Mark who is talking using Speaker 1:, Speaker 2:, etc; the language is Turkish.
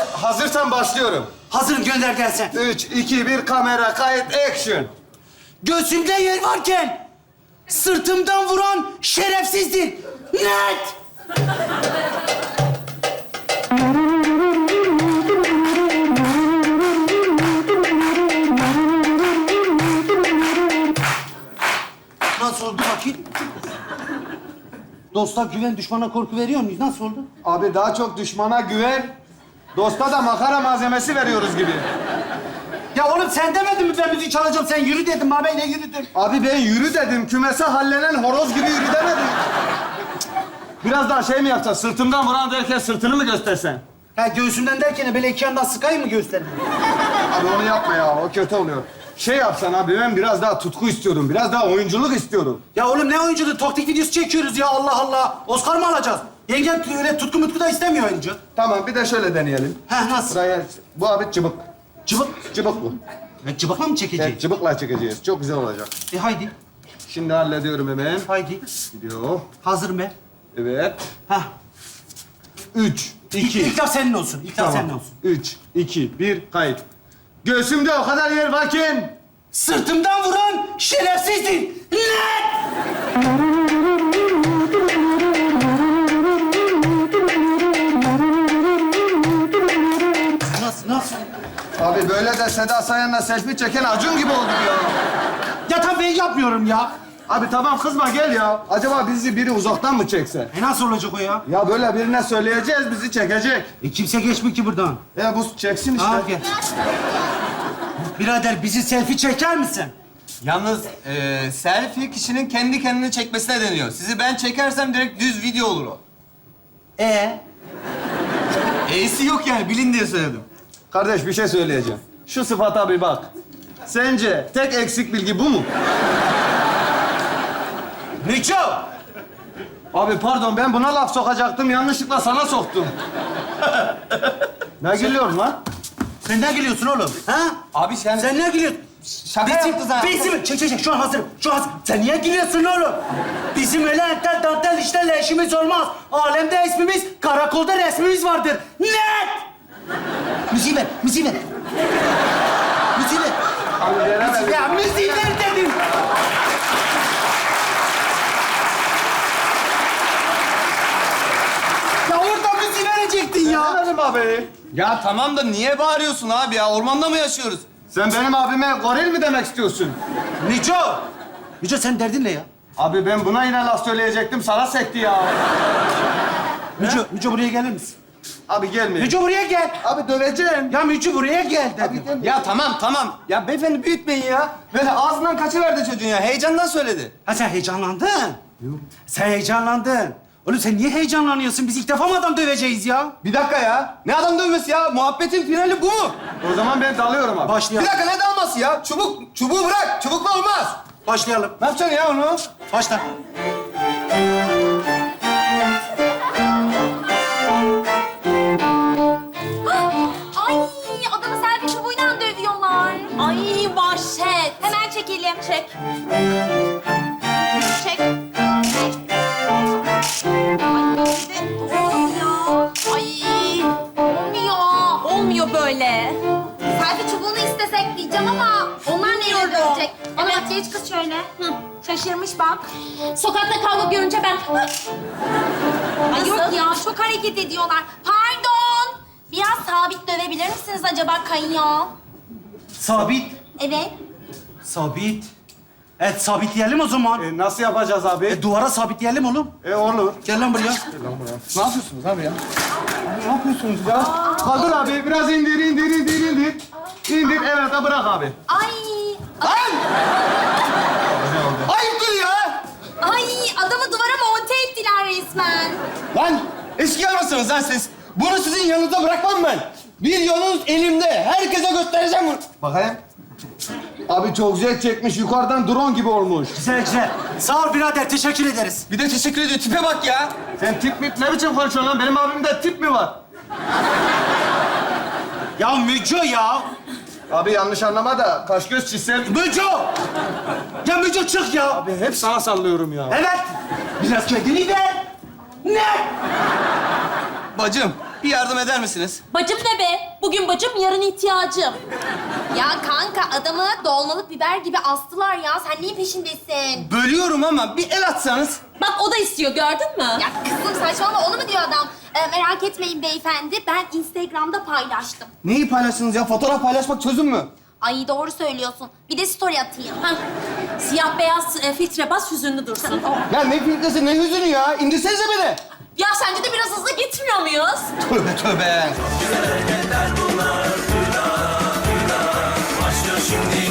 Speaker 1: hazırsan başlıyorum.
Speaker 2: Hazırım, gönder gelsin.
Speaker 1: 3, 2, 1, kamera, kayıt, action.
Speaker 2: Göğsümde yer varken sırtımdan vuran şerefsizdir. Net! Nasıl oldu bakayım? Dosta güven, düşmana korku veriyor muyuz? Nasıl oldu?
Speaker 1: Abi daha çok düşmana güven, dosta da makara malzemesi veriyoruz gibi.
Speaker 2: Ya oğlum sen demedin mi ben müzik çalacağım? Sen yürü dedim, abi ne yürüdün?
Speaker 1: Abi ben yürü dedim, kümese hallenen horoz gibi yürü demedim. Biraz daha şey mi yapacağız? Sırtımdan vuran derken sırtını mı göstersen?
Speaker 2: Ha göğsümden derken böyle iki yandan sıkayım mı göstereyim?
Speaker 1: Abi onu yapma ya, o kötü oluyor. Şey yapsan abi, ben biraz daha tutku istiyorum, biraz daha oyunculuk istiyorum.
Speaker 2: Ya oğlum ne oyunculuğu? Taktik videosu çekiyoruz ya Allah Allah. Oscar mı alacağız? Yengem öyle tutku mutku da istemiyor oyuncu.
Speaker 1: Tamam, bir de şöyle deneyelim.
Speaker 2: Heh nasıl?
Speaker 1: Buraya, bu abi cıbık.
Speaker 2: Cıbık.
Speaker 1: Cıbık bu.
Speaker 2: Cıbıkla mı çekeceğiz?
Speaker 1: Evet, cıbıkla çekeceğiz. Çok güzel olacak.
Speaker 2: Haydi.
Speaker 1: Şimdi hallediyorum hemen.
Speaker 2: Haydi.
Speaker 1: Gidiyor.
Speaker 2: Hazırım ben.
Speaker 1: Evet.
Speaker 2: Hah.
Speaker 1: 3, 2...
Speaker 2: İlk laf senin olsun. İlk laf senin olsun.
Speaker 1: 3, 2, 1, kayıt. Göğsümde o kadar yer varken...
Speaker 2: Sırtımdan vuran şerefsizdir. Net! Nasıl?
Speaker 1: Abi böyle de Seda Sayan'la selfie çeken Acun gibi olduk ya.
Speaker 2: Ya tabii ben yapmıyorum ya.
Speaker 1: Abi tamam kızma gel ya. Acaba bizi biri uzaktan mı çekse?
Speaker 2: Nasıl olacak o ya?
Speaker 1: Ya böyle birine söyleyeceğiz, bizi çekecek.
Speaker 2: Kimse geçmiyor ki buradan.
Speaker 1: Bu çeksin işte.
Speaker 2: Al gel. Birader bizi selfie çeker misin?
Speaker 3: Yalnız selfie kişinin kendi kendini çekmesine deniyor. Sizi ben çekersem direkt düz video olur o. E'si yok yani, bilin diye söyledim.
Speaker 1: Kardeş bir şey söyleyeceğim. Şu sıfata bir bak. Sence tek eksik bilgi bu mu?
Speaker 2: Miço!
Speaker 1: Abi pardon, ben buna laf sokacaktım, yanlışlıkla sana soktum. Ne gülüyorsun lan?
Speaker 2: Sen ne gülüyorsun oğlum? Ha?
Speaker 3: Abi sen...
Speaker 2: Sen ne gülüyorsun?
Speaker 3: Şaka yaptı zaten.
Speaker 2: Bizim, çek. Şu an hazırım. Sen niye gülüyorsun oğlum? Bizim öyle entel dantel işlerle işimiz olmaz. Alemde ismimiz, karakolda resmimiz vardır. Net! Müziği ver. Müziği ver.
Speaker 1: Abi veremedim.
Speaker 2: Ya müziği ver dedim. Ya orada müziği verecektin ya.
Speaker 1: Veremedim abi.
Speaker 3: Ya tamam da niye bağırıyorsun abi ya? Ormanda mı yaşıyoruz?
Speaker 1: Sen benim abime goril mi demek istiyorsun?
Speaker 2: Miço sen derdin ne ya?
Speaker 1: Abi ben buna yine laf söyleyecektim, sana sekti ya.
Speaker 2: Miço buraya gelir misin?
Speaker 1: Abi gelme.
Speaker 2: Miço buraya gel.
Speaker 1: Abi döveceğim.
Speaker 2: Ya Miço buraya gel dedim.
Speaker 3: Ya tamam. Ya beyefendi büyütmeyin ya. Böyle ağzından kaçıverdi çocuğun ya. Heyecandan söyledi.
Speaker 2: Ha sen heyecanlandın. Yok. Sen heyecanlandın. Oğlum sen niye heyecanlanıyorsun? Biz ilk defa mı adam döveceğiz ya?
Speaker 3: Bir dakika ya. Ne adam dövmesi ya? Muhabbetin finali bu mu?
Speaker 1: O zaman ben dalıyorum abi.
Speaker 3: Bir
Speaker 2: Başlayalım.
Speaker 3: dakika, ne dalması ya? Çubuğu bırak. Çubukla olmaz.
Speaker 2: Başlayalım.
Speaker 3: Ne yapacaksın ya onu?
Speaker 2: Başla.
Speaker 4: Ay adamı selfie çubuğuyla dövüyorlar. Ay vahşet. Hemen çekelim. Çek. Çek. Ay olmuyor. Olmuyor böyle. Selfie çubuğunu istesek diyeceğim ama onlar neyle dövecek? Ama bak geç kız şöyle. Hı. Şaşırmış bak. Sokakta kavga görünce ben... Ay yok ya, çok hareket ediyorlar. Pardon. Biraz sabit dövebilir misiniz acaba kayıyor?
Speaker 2: Sabit.
Speaker 4: Evet.
Speaker 2: Sabit. Evet sabitleyelim o zaman.
Speaker 1: Nasıl yapacağız abi?
Speaker 2: Duvara sabitleyelim oğlum.
Speaker 1: Olur.
Speaker 2: Gel lan buraya.
Speaker 1: Ne yapıyorsunuz abi ya? Ne yapıyorsunuz ya? Kaldır abi, biraz indir. İndir, evet ha, bırak abi.
Speaker 4: Ay.
Speaker 3: Ayıptır ya.
Speaker 4: Ay adamı duvara monte ettiler resmen.
Speaker 3: Lan eski mısınız lan siz? Bunu sizin yanınıza bırakmam ben. Bir yolunuz elimde. Herkese göstereceğim bunu.
Speaker 1: Bakayım. Abi çok güzel çekmiş, yukarıdan drone gibi olmuş.
Speaker 2: Güzel. Sağ ol birader, teşekkür ederiz.
Speaker 3: Bir de teşekkür ediyor. Tipe bak ya.
Speaker 1: Sen tip mi? Ne biçim konuşuyorsun lan? Benim abimde tip mi var?
Speaker 2: Ya Müco ya.
Speaker 1: Abi yanlış anlama da kaş göz çizsem...
Speaker 2: Müco! Ya Müco çık ya.
Speaker 1: Abi hep sana sallıyorum ya.
Speaker 2: Evet. Biraz kendini ver. Ne?
Speaker 3: Bacım, Bir yardım eder misiniz?
Speaker 5: Bacım ne be? Bugün bacım, yarın ihtiyacım.
Speaker 4: Ya kanka adamı dolmalık biber gibi astılar ya. Sen neyin peşindesin?
Speaker 3: Bölüyorum ama bir el atsanız.
Speaker 5: Bak o da istiyor, gördün mü?
Speaker 4: Ya kızım saçmalama onu mu diyor adam? Merak etmeyin beyefendi. Ben Instagram'da paylaştım.
Speaker 3: Neyi paylaştınız ya? Fotoğraf paylaşmak çözüm mü?
Speaker 4: Ay doğru söylüyorsun. Bir de story atayım.
Speaker 5: Hah. Siyah beyaz filtre bas, hüzünlü dursun.
Speaker 3: Ya ne filtresi, ne hüzünü ya? İndirsenize beni.
Speaker 5: Ya sence de biraz hızlı gitmiyor muyuz?
Speaker 3: Tövbe tövbe.
Speaker 6: Başlıyor şimdi